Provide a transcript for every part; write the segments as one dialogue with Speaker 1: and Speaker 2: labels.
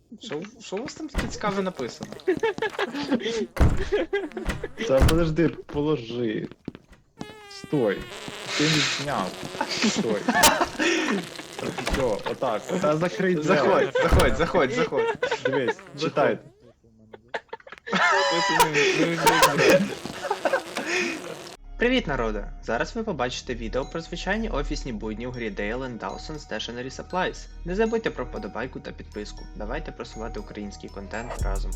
Speaker 1: Що у вас там таке цікаве написано?
Speaker 2: Та подожди, положи. Стой. Ти не зняв. Стой. Все, отак. Та закрий двері.
Speaker 1: Заходь.
Speaker 2: Дивись, читай.
Speaker 1: Привіт, народе! Зараз ви побачите відео про звичайні офісні будні у грі Dale & Dawson Stationery Supplies. Не забудьте про вподобайку та підписку. Давайте просувати український контент разом.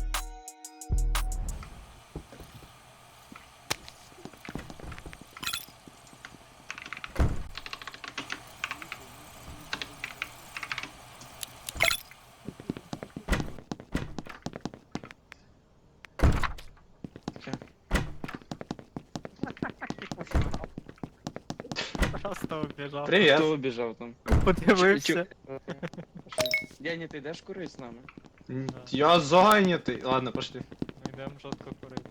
Speaker 3: Просто убежав.
Speaker 1: Привіт!
Speaker 4: Хто убіжав там?
Speaker 3: Подивився.
Speaker 4: Дяня, ти йдеш курить з нами?
Speaker 1: Я зайнятий. Ладно, пошли.
Speaker 3: Ми йдемо жорстко курити.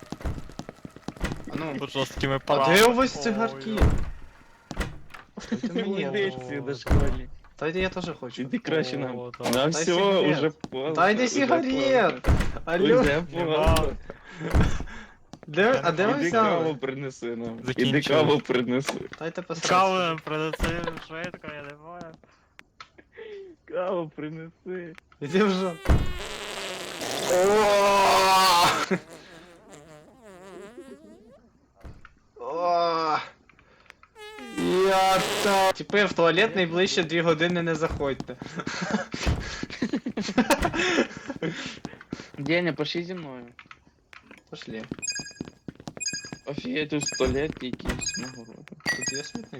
Speaker 1: А ну,
Speaker 3: Тут жорсткими
Speaker 1: а
Speaker 3: парами.
Speaker 1: де у вас цигарки?
Speaker 3: Ой.
Speaker 1: Дайте мені.
Speaker 4: Іди сюди, школьник.
Speaker 1: Та я теж хочу.
Speaker 4: Іди краще нам.
Speaker 3: О, да.
Speaker 4: На
Speaker 1: Дай
Speaker 4: все,
Speaker 1: сигарет.
Speaker 4: уже поздно.
Speaker 1: Дайте
Speaker 4: уже
Speaker 1: сигарет!
Speaker 4: поздно.
Speaker 1: Алло,
Speaker 4: Уже поздно.
Speaker 1: а де ви
Speaker 4: Іди каву
Speaker 1: взяли?
Speaker 4: принеси нам. Іди
Speaker 3: Закінчили.
Speaker 4: каву принеси.
Speaker 1: Дайте
Speaker 3: Каву
Speaker 1: посрати.
Speaker 3: нам принеси швидко, я не знаю.
Speaker 4: Каву принеси.
Speaker 1: Іди вже. Я та... Типи, в туалет найближче 2 години не заходьте.
Speaker 4: Дяня, пошли зі мною.
Speaker 1: Пошли.
Speaker 4: Офігеть, тут 100 лет якийсь нагороди.
Speaker 1: Тут є смітник.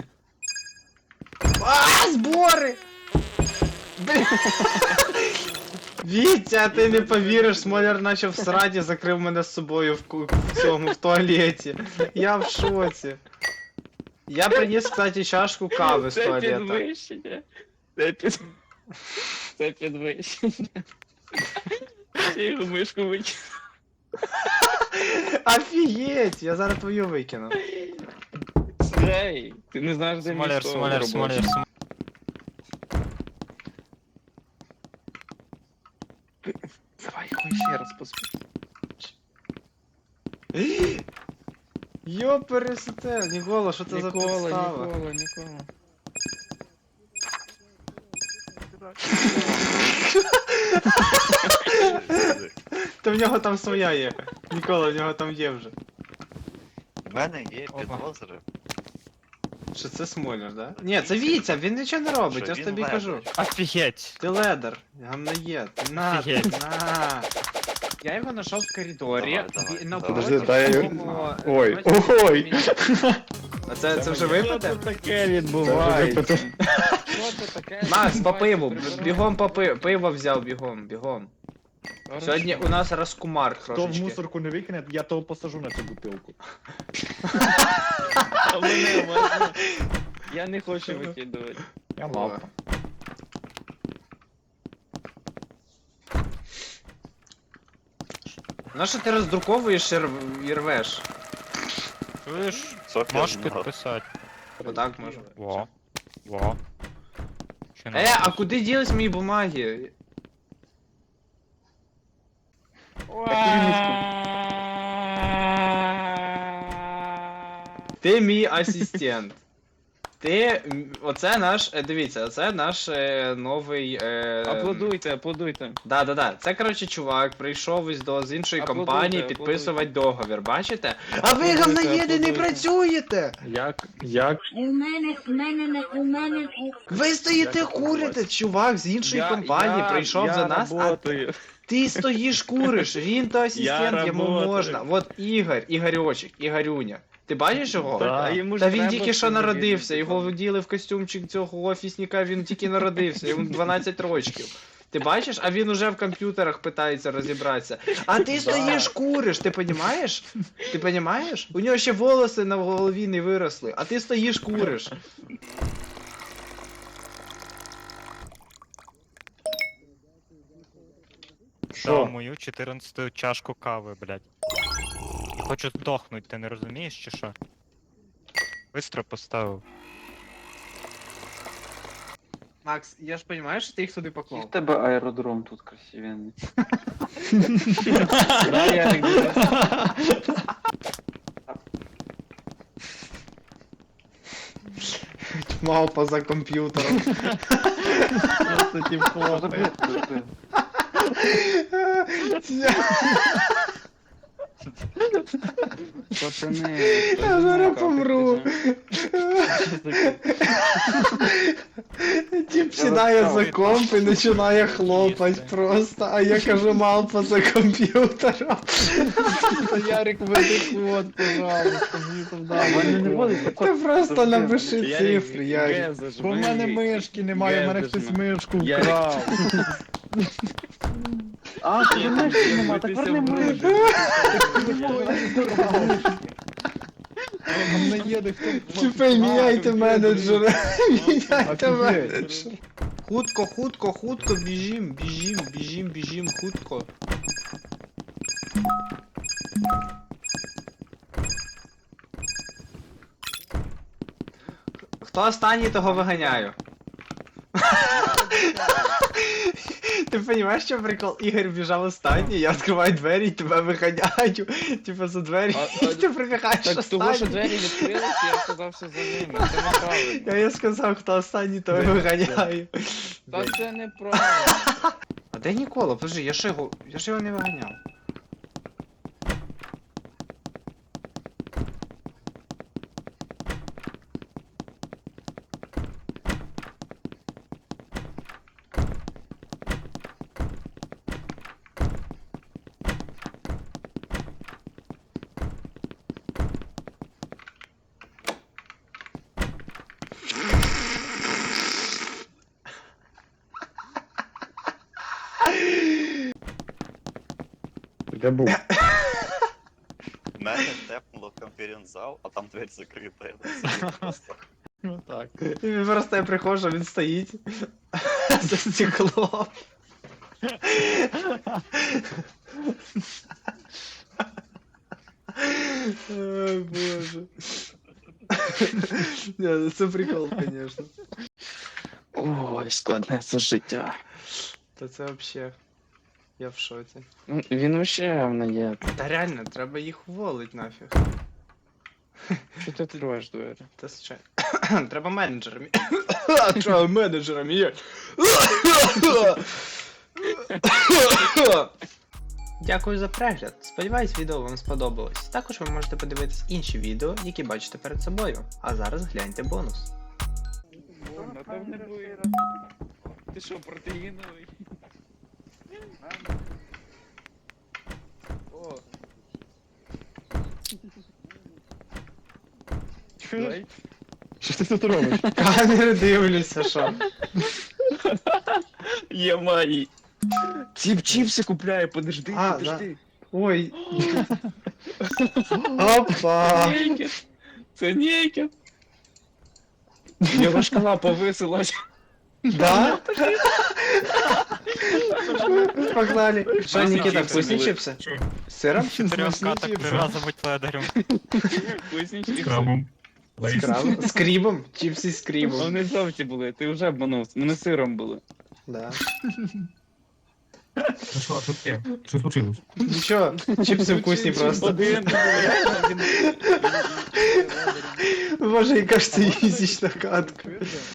Speaker 1: А, збори! Блін. Вітя, ти не повіриш, Смоляр наче в сраді закрив мене з собою в цьому, в туалеті. Я в шоці. Я приніс, кстати, чашку кави з
Speaker 4: Це
Speaker 1: туалета.
Speaker 4: підвищення. Це підвищення. Я його мишку викину.
Speaker 1: Офігеть, я зараз твою викину.
Speaker 4: Ей, ти не знаєш, де
Speaker 3: Смоляр,
Speaker 4: місто
Speaker 3: смоляр,
Speaker 4: робоче.
Speaker 3: смоляр, смоляр.
Speaker 4: Давай його ще раз поспи.
Speaker 1: Йо, пересете, Нікола, що це за підстава?
Speaker 4: Нікола.
Speaker 1: Та в нього там своя є. Нікола, в нього там є вже.
Speaker 5: У мене є
Speaker 3: Опа.
Speaker 5: підозри.
Speaker 1: Що це Смоляр, да? Ні, це Вітя, він нічого не робить,
Speaker 5: Що
Speaker 1: я ж
Speaker 5: він
Speaker 1: тобі
Speaker 5: ледер.
Speaker 1: кажу.
Speaker 3: Офігеть.
Speaker 1: Ти ледер, гамнаєд. На,
Speaker 3: Офігеть.
Speaker 1: на. Я його знайшов в коридорі.
Speaker 5: Давай,
Speaker 1: і навпроти
Speaker 2: Подожди, дай я-
Speaker 1: мого-
Speaker 2: Ой,
Speaker 1: навпроти
Speaker 2: ой.
Speaker 1: мені- А це вже випаде?
Speaker 4: Що таке відбувається?
Speaker 2: Це
Speaker 4: Що це таке?
Speaker 1: Макс, по пиву,
Speaker 4: відбувається?
Speaker 1: бігом по пиво взяв, бігом.
Speaker 4: Хорошо.
Speaker 1: Сьогодні у нас розкумар
Speaker 2: Хто в
Speaker 1: трошечки.
Speaker 2: мусорку не викине, я того посажу на цю бутилку.
Speaker 4: А мене можна? Я не хочу викидувати.
Speaker 2: Я мав.
Speaker 1: Ну що ти роздруковуєш і рвеш?
Speaker 3: Чуєш?
Speaker 5: Софія
Speaker 3: Можеш
Speaker 5: знала.
Speaker 3: підписати.
Speaker 1: Отак можу.
Speaker 3: Во. Чи не
Speaker 1: А
Speaker 3: можеш?
Speaker 1: куди ділись мої бумаги? Ти мій асистент. Оце наш, дивіться, оце наш новий.
Speaker 4: Аплодуйте.
Speaker 1: Да. Це, коротше, чувак прийшов з іншої
Speaker 4: Аплодуйте,
Speaker 1: компанії
Speaker 4: аплодуйте.
Speaker 1: підписувати договір, бачите? А ви
Speaker 4: Аплодуйте,
Speaker 1: говноєди не
Speaker 4: аплодуйте.
Speaker 1: працюєте!
Speaker 2: Як?
Speaker 6: У мене.
Speaker 1: Ви стоїте
Speaker 2: Як
Speaker 1: курите, чувак з іншої компанії прийшов за нас, а
Speaker 4: работаю.
Speaker 1: ти стоїш куриш, він то асистент, йому
Speaker 4: работаю.
Speaker 1: можна. От Ігорьочек, Ігорюня. Ти бачиш його?
Speaker 2: Да.
Speaker 4: А йому ж
Speaker 1: Та він
Speaker 4: треба
Speaker 1: тільки що
Speaker 4: собі
Speaker 1: народився,
Speaker 4: відповідати.
Speaker 1: його вділи в костюмчик цього офісника, він тільки народився, йому 12 років. Ти бачиш, а він уже в комп'ютерах питається розібратися. А ти стоїш куриш, ти понімаєш? Ти понімаєш? У нього ще волоси на голові не виросли, а ти стоїш куриш.
Speaker 3: Дав мою 14-ту чашку кави, блядь. І хочу здохнуть, ти не розумієш чи що? Бистро поставив.
Speaker 1: Макс, я ж розумію, що ти їх сюди
Speaker 7: Який в
Speaker 1: поклав.
Speaker 7: тебе аеродром тут красивенний.
Speaker 4: Да, Ярик,
Speaker 1: Мавпа за комп'ютером.
Speaker 2: Просто тип
Speaker 7: Що за
Speaker 2: хлопає.
Speaker 7: бред такий?
Speaker 4: пацани.
Speaker 1: Я зараз помру. Тіп сідає за комп і починає хлопать просто, а я кажу мавпа за комп'ютером.
Speaker 2: Ярик, веди код, пожалуйста, мені там
Speaker 7: А в мене не водиться
Speaker 1: Ти
Speaker 7: код.
Speaker 1: просто напиши цифри, Ярик.
Speaker 2: Бо в мене мишки немає, в мене хтось мишку вкрав.
Speaker 7: А, ти мишки нема, так верни мишку.
Speaker 2: А мене їде хто.
Speaker 1: Чіпи, міняйте менеджера. Міняйте
Speaker 2: Офігеть.
Speaker 1: менеджера. Хутко, хутко, хутко, біжім, біжім, біжім, біжім, хутко. Хто останній, того виганяю. Ти розумієш, що прикол? Ігор біжав останній, я відкриваю двері і тебе виганяю. Типа за двері, і ти прибігаєш
Speaker 4: Так того, що
Speaker 1: останній.
Speaker 4: двері відкрилися, я сказався за ними. Це неправильно.
Speaker 1: Я їй сказав, хто останній, того виганяю.
Speaker 4: Та це неправильно.
Speaker 1: А де Нікола? Подожди, я ж його не виганяв.
Speaker 2: Де був?
Speaker 5: Мене тепнуло в конференц-зал, а там дверь закрита. Я так сидів просто.
Speaker 2: Ну так.
Speaker 1: І він просто я приходжу, він стоїть за стеклом. Ой, боже. Не, це прикол, конечно.
Speaker 4: Ой, складне це життя.
Speaker 1: Та це вообще. Я в шоці.
Speaker 4: Ну, він вообще в є.
Speaker 1: Та реально, треба їх уволить нафіг.
Speaker 4: Що ти відкриваєш двері?
Speaker 1: Та ще. Треба менеджером. Треба менеджером є. Дякую за перегляд. Сподіваюсь, відео вам сподобалось. Також ви можете подивитись інші відео, які бачите перед собою. А зараз гляньте бонус.
Speaker 4: Напевне буде. Ти що, протеїновий? О,
Speaker 2: Що ти тут робиш?
Speaker 1: Камери дивлюся, що.
Speaker 4: є мої. Тіп чіпси купляє, подожди,
Speaker 1: А,
Speaker 4: подожди.
Speaker 1: Ой. Опа.
Speaker 4: Нейкер. Це нейкер. Його шкала повисилась.
Speaker 1: Да? Погнали. Що, Нікіта,
Speaker 3: чіпси
Speaker 1: вкусні
Speaker 3: були.
Speaker 1: чіпси? З сиром?
Speaker 3: В чотирьох катах три рази будь ледарем.
Speaker 4: Вкуснічки.
Speaker 1: З крабом? З крібом? Чіпси з крібом.
Speaker 4: Вони жовті були, ти вже обманув. Вони сиром були.
Speaker 1: Да.
Speaker 8: Ну що, що таке? Що случилось?
Speaker 1: Нічого, чіпси вкусні просто.
Speaker 4: Один.
Speaker 1: Боже, яка ж це їздічна катка.